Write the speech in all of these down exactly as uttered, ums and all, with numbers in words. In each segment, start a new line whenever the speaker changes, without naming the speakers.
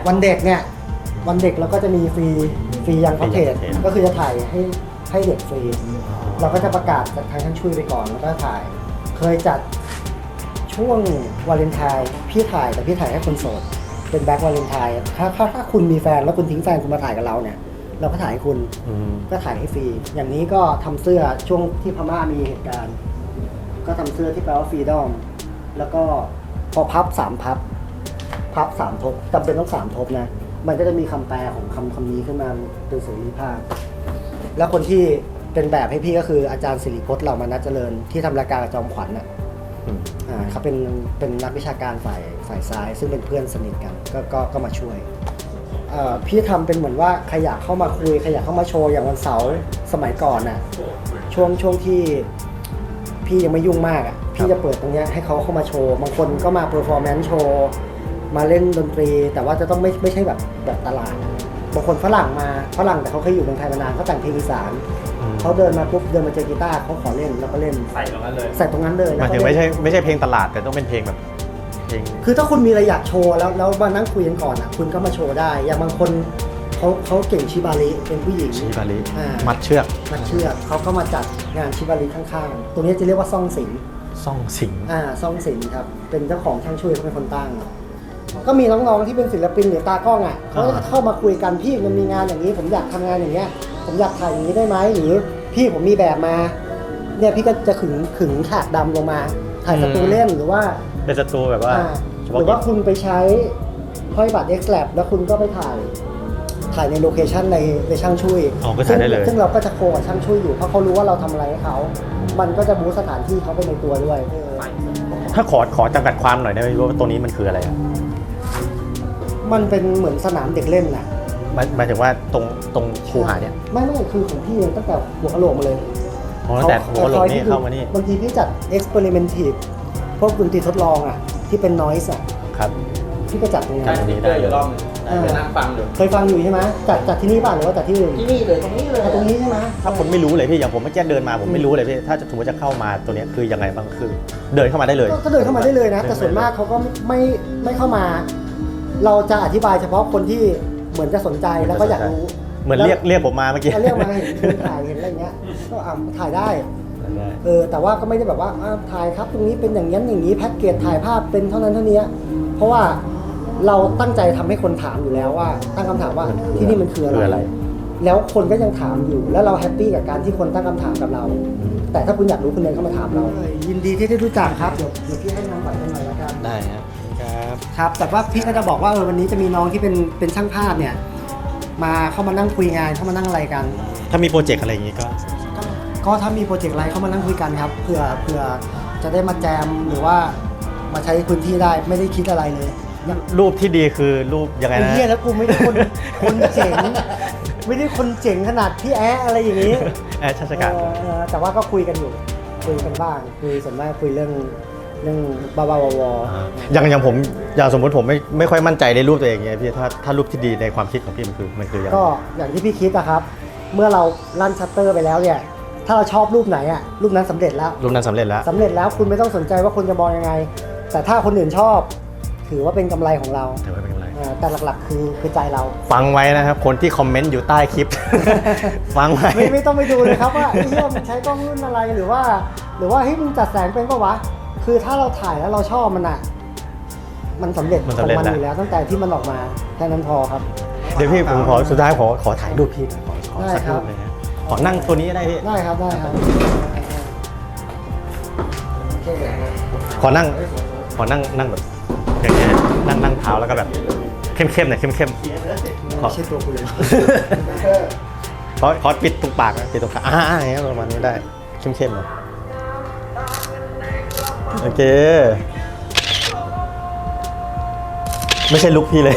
วันเด็กเนี่ยวันเด็กเราก็จะมีฟรีฟรียังคอนเทนต์ก็คือจะถ่ายให้ให้เด็กฟรีเราก็จะประกาศจากทางช่างช่วยไปก่อนแล้วก็ถ่ายเคยจัดช่วงวาเลนไทน์พี่ถ่ายแต่พี่ถ่ายให้คนโสดเป็นแบ็ควาเลนไทน์ถ้าถ้าถ้าคุณมีแฟนแล้วคุณทิ้งแฟนคุณมาถ่ายกับเราเนี่ยเราก็ถ่ายให้คุณก็ถ่ายให้ฟรีอย่างนี้ก็ทำเสื้อช่วงที่พม่ามีเหตุการณ์ก็ทำเสื้อที่แปลว่าฟรีดอมแล้วก็พอพับสามพับพับสามทบจำเป็นต้องสามทบนะมันก็จะมีคำแปลของคำคำนี้ขึ้นมาเป็นเสรีภาพแล้วคนที่เป็นแบบให้พี่ก็คืออาจารย์สิริพจน์เหล่ามานะเจริญที่ทำรายการกับจอมขวัญน่ะอ่าเขาเป็นเป็นนักวิชาการฝ่ายฝ่ายซ้ายซึ่งเป็นเพื่อนสนิทกันก็ก็ก็มาช่วยพี่ทำเป็นเหมือนว่าใครอยากเข้ามาคุยใครอยากเข้ามาโชว์อย่างวันเสาร์สมัยก่อนน่ะช่วงช่วงที่พี่ยังไม่ยุ่งมากอ่ะพี่จะเปิดตรงเนี้ยให้เขาเข้ามาโชว์บางคนก็มาเพอร์ฟอร์แมนซ์โชว์มาเล่นดนตรีแต่ว่าจะต้องไม่ไม่ใช่แบบแบบตลาดบางคนฝรั่งมาฝรั่งแต่เขาเคยอยู่เมืองไทยมานานเขาแต่งเพลงอีสานเขาเดินมาปุ๊บเดินมาเจอกีตาร์เขาขอเล่นแล้วก็เล่น
ใส่ตรงนั้นเลย
ใส่ตรงนั้นเลย
หมายถึงไม่ใช่ไม่ใช่เพลงตลาดแต่ต้องเป็นเพลงแบบเพลง
คือถ้าคุณมีอะไรอยากโชว์แล้วแล้วมานั่งคุยกันก่อนอ่ะคุณก็มาโชว์ได้อย่างบางคนเขาเขาเก่งชิบาริเป็นผู้หญิง
ชิบาริมัดเชือก
มัดเชือกเขาก็มาจัดงานชิบาริข้างๆตรงนี้จะเรียกว่าซ่องสิง
ซ่องสิง
อ่าซ่องสิงครับเป็นเจ้าของช่างช่วยเขาเป็นคนตั้งก็มีน้องๆที่เป็นศิลปินหรือตากล้องอ่ะเขาจะเข้ามาคุยกันพี่มันมีงานอย่างนี้ผมอยากทำงานอย่างเงี้ยผมอยากถ่ายอย่างนี้ได้ไหมหรือพี่ผมมีแบบมาเนี่ยพี่ก็จะขึงขึงฉากดำลงมาถ่ายสตูเล่นหรือว่า
เป็นสตูแบบว่า
หรือว่าคุณไปใช้ห้อยบัตร X-Lab แล้วคุณก็ไปถ่ายถ่ายในโลเคชันในในช่างช่วยซึ่งซึ่งเราก็จะโคกับช่างช่วยอยู่เพราะเขารู้ว่าเราทำอะไรให้เขามันก็จะบูสต์สถานที่เขาไปในตัวด้วย
ถ้าขอขอจำกัดความหน่อยได้ไหมว่าตัวนี้มันคืออะไร
มันเป็นเหมือนสนามเด็กเล่นน่ะ
หมายถึงว่าตรงตรงคูหาเนี่ย
ไม่ไม่คือของพี่ตั้งแต่หัวกะโหลกมาเลย
อ๋อแต่หัวกะโหลกนี่เข้ามานี่
บางทีพี่จัด experimentive พวกดนตรีทดลองอ่ะที่เป็น noise อ่ะ
ครับ
พี่ก็จัดตรงนี้
ใช่ที่เจออยู่รอบนึงไปนั่งฟังอยู่
เคยฟังอยู่ใช่ไหมจัดจัดที่นี่ป่ะหรือว่าจัดที่อื่นที่นี่เลยตรงนี้เลยตรงนี้ใช่ไหม
ถ้าผมไม่รู้เลยพี่อย่างผมเมื่อกี้เดินมาผมไม่รู้เลยพี่ถ้าสมมติจะเข้ามาตัวนี้คือยังไงบ้างคือเดินเข้ามาได้เลย
ก็เดินเข้ามาได้เลยนะแต่ส่วนมากเขาก็ไม่ไม่เข้ามาเราจะอธิบายเฉพาะคนที่เหมือนจะสนใจแล้วก็อยากรู้
เหมือนเรียกเรียกผมมาเมื่อกี้
เรียกมาเห็นถ่ายเห็นอะไรเงี้ยก็อ่าถ่ายได้เออแต่ว่าก็ไม่ได้แบบว่าถ่ายครับตรงนี้เป็นอย่างนี้อย่างนี้แพ็กเกจถ่ายภาพเป็นเท่านั้นเท่านี้เพราะว่าเราตั้งใจทำให้คนถามอยู่แล้วว่าตั้งคำถามว่าที่นี่มันคืออะไรแล้วคนก็ยังถามอยู่แล้วเราแฮปปี้กับการที่คนตั้งคำถามกับเราแต่ถ้าคุณอยากรู้คุณเดินเข้ามาถามเรายินดีที่ได้รู้จักครับเดี๋ยวเดี๋ยวพี่ให้นำบัตรกันหน่อยละกัน
ได้ครับครับ
ครับแต่ว่าพี่ก็จะบอกว่าเออวันนี้จะมีน้องที่เป็นเป็นช่างภาพเนี่ยมาเข้ามานั่งคุยงานเข้ามานั่งอะไรกัน
ถ้ามีโปรเจกต์อะไรอย่างงี้ก็
ก็ถ้ามีโปรเจกต์อะไรเข้ามานั่งคุยกันครับเผื่อเผื่อจะได้มาแจมหรือว่ามาใช้พื้นที่ได้ไม่ได้คิดอะไรเลย
รูปที่ดีคือรูปยังไงนะ
ไอ้เหี้ยแล้วกูไม่ได้คนคนเจ๋งไม่ได้คนเจ๋งขนาดพี่แอ๊อะไรอย่างนี้
แอ๊ชาชการ
แต่ว่าก็คุยกันอยู่คุยกันบ้างคุยส่วนมากคุยเรื่องเรื่องบ้าๆวอ
ๆอย่างอย่างผมอย่างสมมติผมไม่ไม่ค่อยมั่นใจในรูปตัวเองไงพี่ถ้าถ้ารูปที่ดีในความคิดของพี่มันคือมันคือ
ก็อย่างที่พี่คิดนะครับเมื่อเราลั่นชัตเตอร์ไปแล้วเนี่ยถ้าเราชอบรูปไหนอ่ะรูปนั้นสำเร็จแล้ว
รูปนั้นสำเร็จแล้ว
สำเร็จแล้วคุณไม่ต้องสนใจว่าคนจะมองยังไงแต่ถ้าคนอื่นชอบถือว่าเป็นกำไรของเรา
ถือว่าเป็นกำไร
แต่หลักๆคือคือใจเรา
ฟังไว้นะครับคนที่คอมเมนต์อยู่ใต้คลิป ฟังไว้
ไม่ไม่ต้องไปดูเลยครับว่าไอ้เหี้ยมันใช้กล้องรุ่นอะไรหรือว่าหรือว่าเฮ้ยมึงจัดแสงเป็นปะวะคือถ้าเราถ่ายแล้วเราชอบมันอ่ะมันสำเร็จของมันอยู่แล้วตั้งแต่ที่มันออกมาแค่นั้นพอครับ
เดี๋ยวพี่ผมขอสุดท้ายขอขอถ่ายรูปพี่ขอขอสักรูปเลยนะขอนั่งตัวนี้ได้พี่
ได้ครับได้ครับ
ขอนั่งขอนั่งนั่งแบบอย่างเงี้ยนั่งนั่งเท้าแล้วก็แบบเข้มๆหน่อยเข้มๆขอ
ใช่ตัวกูเลย
ขอขอปิดตรงปากปิดตรงขาอ่าอย่างเงี้ยประมาณนี้ได้เข้มๆหน่อยโอเคไม่ใช่ลุคพี่เลย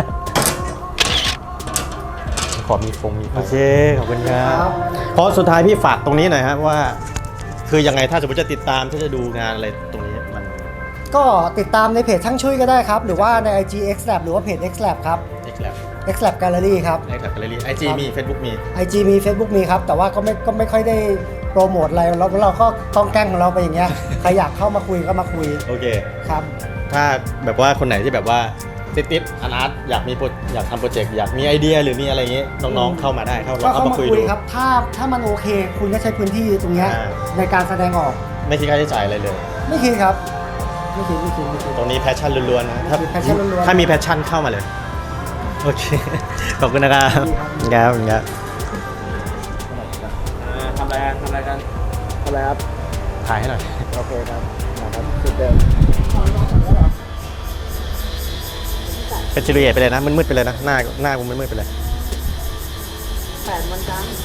ขอมีฟงมีโอเคขอบคุณครับเพราะสุดท้ายพี่ฝากตรงนี้หน่อยครับว่าคือยังไงถ้าสมมติจะติดตามถ้าจะดูงานอะไรตรงนี้มัน
ก็ติดตามในเพจช่างช่วยก็ได้ครับหรือว่าใน ไอ จี X-Lab หรือว่าเพจ X-Lab ครับ
X-Lab
X-Lab Gallery ครับ
X-Lab Gallery ไอ จี มี Facebook มี
ไอ จี มี Facebook มีครับแต่ว่าก็ไม่ก็ไม่ค่อยได้โปรโมทอะไรเราเราก็ต้องแกล้งของเราไปอย่างเงี้ยใครอยากเข้ามาคุยก็มาคุย
โอเค
ครับ
ถ้าแบบว่าคนไหนที่แบบว่าติดติดอันอาร์ตอยากมีโปรอยากทำโปรเจกต์อยากมีไอเดียหรือมีอะไรอย่างงี้น้องๆเข้ามาได้เข้า
ก็
เข้า
เข้า
มา
มา
คุย
คุย
ดู
ครับ ถ้าถ้ามันโอเค คุณก็ใช้พื้นที่ตรงเนี้ย
อ่า
ในการแสดงออก
ไม่คิดค่าใช้จ่ายอะไรเลย
ไม่คิดครับ ไม่คิดไม่คิดไม่คิด
ตรงนี้แพชชั่นล้วนๆนะถ้า
มี passion ล้วนๆ
ถ้ามีแพชชั่นเข้ามาเลย โอเค ขอบคุณนะครับ
ดี
ค
ครั
รับ บครับ
อ่าทำอะไรกันทำอะไรกัน
ทำอะไรครับ
ถ่ายให้หน่อย
โอเคครับนะครับจุดเดิม
เป็นจิริเอตไปเลยนะมืดๆไปเลยนะหน้าหน้ากูมืดๆไปเลย
แปดวันจันทร์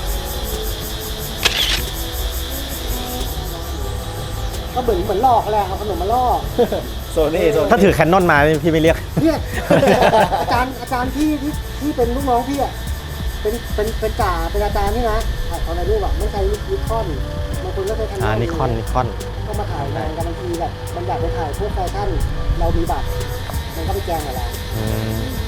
ก็เหมือนเหมือนลอกแหละเอาขนมมาลอก
โซนี่โซนี่
ถ้าถือแคนนอนมาพี่ไม่เรียก
เนี่ยอาจารย์อาจารย์ที่ที่ที่เป็นลูกน้องพี่อ่ะเป็นเป็นเป็นจ่าเป็นอาจารย์นี่นะถ่ายเอาในรูปอ่ะไม่ใช้นิคอนบางคนก็ใช้แคนนอน
อ่านิคอนนิคอน
ก็มาถ่ายงานกันบางทีแบบมันอยากไปถ่ายพวกแฟชั่นเรามีบัตรมันก็ไปแจ้งกับเรา
อืม